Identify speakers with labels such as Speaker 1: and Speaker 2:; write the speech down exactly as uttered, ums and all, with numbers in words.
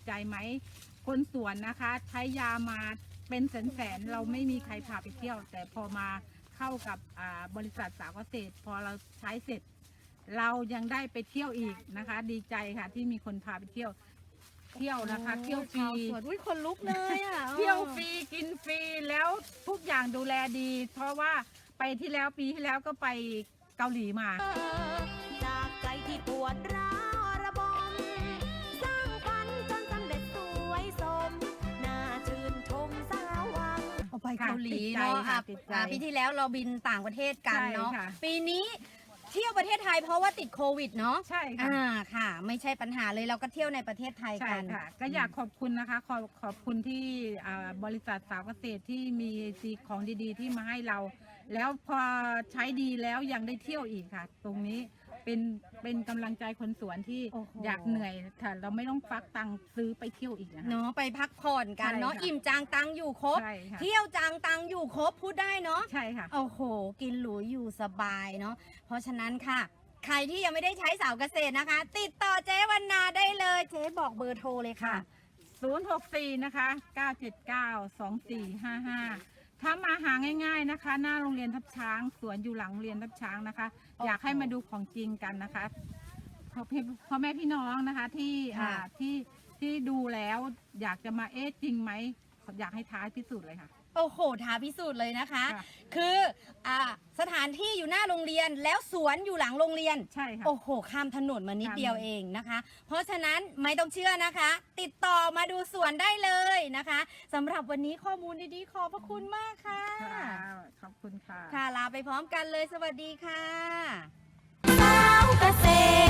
Speaker 1: ใจไหมคนสวนนะคะใช้ยามาเป็นแสนๆเราไม่มีใครพาไปเที่ยวแต่พอมาเข้ากับอ่าบริษัทสาวเกษตรพอเราใช้เสร็จเรายังได้ไปเที่ยวอีกนะคะ ดีใจค่ะที่มีคนพาไปเที่ยวเที่ยวนะคะเที่ยวฟรี
Speaker 2: สวนอุ้ยคนลุกเลยอ่ะ
Speaker 1: เที่ยวฟรีกินฟรีแล้วทุกอย่างดูแลดี เพราะว่าไปที่แล้วปีที่แล้วก็ไปเกาหลีมา
Speaker 3: จากใจที่ปวดร้าวระบมสร้างฝันจนสำเร็จสวยสมน่าชื่นชมสาววัง
Speaker 2: เอาไปเกาหลี
Speaker 1: ค่ะ
Speaker 2: เนาะ
Speaker 1: ติดใจค่ะ
Speaker 2: อ่ะ
Speaker 1: ติดใจ
Speaker 2: อ่ะปีที่แล้วเราบินต่างประเทศกันเนาะ
Speaker 1: ใช่ค่ะ
Speaker 2: ปีนี้เที่ยวประเทศไทยเพราะว่าติดโควิดเนาะ
Speaker 1: ใช่ค่ะ
Speaker 2: อ่าค่ะ ไม่ใช่ปัญหาเลยเราก็เที่ยวในประเทศไทย
Speaker 1: ใช่
Speaker 2: กัน
Speaker 1: ค่ะ ก็อยากขอบคุณนะคะ ขอบขอบคุณที่อ่าบริษัทสาวเกษตรที่มีสีของดีๆ ที่มาให้เรา แล้วพอใช้ดีแล้วยังได้เที่ยวอีกค่ะ ตรงนี้เป็นเป็นกำลังใจคนสวนที่
Speaker 2: โอ้โห
Speaker 1: อยากเหนื่อยค่ะเราไม่ต้องฟักตังค์ซื้อไปเที่ยวอีกนะคะ
Speaker 2: เนาะไปพักผ่อนกันเนาะ
Speaker 1: ใช่ค่ะ
Speaker 2: อิ่มจางตังอยู่ครบ
Speaker 1: ใช่ค่ะ
Speaker 2: เที่ยวจางตังอยู่ครบพูดได้เนาะ
Speaker 1: ใช่ค่ะ
Speaker 2: โอ้โห กินหรูอยู่สบายเนาะเพราะฉะนั้นค่ะ ใครที่ยังไม่ได้ใช้สาวเกษตรนะคะ ติดต่อเจ๊วรรณาได้เลยเจ๊บอกเบอร์โทรเลยค่ะ
Speaker 1: ศูนย์ หก สี่ นะคะ เก้า เจ็ด เก้า สอง สี่ ห้า ห้า ถ้ามาหาง่าย ๆนะคะ หน้าโรงเรียนทับช้าง สวนอยู่หลังโรงเรียนทับช้างนะคะ
Speaker 2: โอ้โห
Speaker 1: อยากให้มาดูของจริงกันนะคะพ่อพี่พ่อแม่พี่น้องนะคะที่
Speaker 2: ค่ะ
Speaker 1: อ่าที่ที่ดูแล้วอยากจะมาเอ๊ะจริงไหมอยากให้ท้าพิสูจน์เลยค่ะ
Speaker 2: โอ้โหท้าพิสูจน์เลยนะคะ
Speaker 1: ค่ะ
Speaker 2: คืออ่าสถานที่อยู่หน้าโรงเรียนแล้วสวนอยู่หลังโรงเรียน
Speaker 1: ใช่ค่ะ
Speaker 2: โอ้โห ข้ามถนนมานิด
Speaker 1: ข้าม
Speaker 2: เดียวเองนะคะ เพราะฉะนั้นไม่ต้องเชื่อนะคะ ติดต่อมาดูสวนได้เลยนะคะสำหรับวันนี้ข้อมูลดีๆ ขอบพระคุณมากค่ะ
Speaker 1: ค่ะขอบคุณค่ะ
Speaker 2: ค่ะ ลาไปพร้อมกันเลย สวัสดีค่ะ
Speaker 3: สาวเกษตร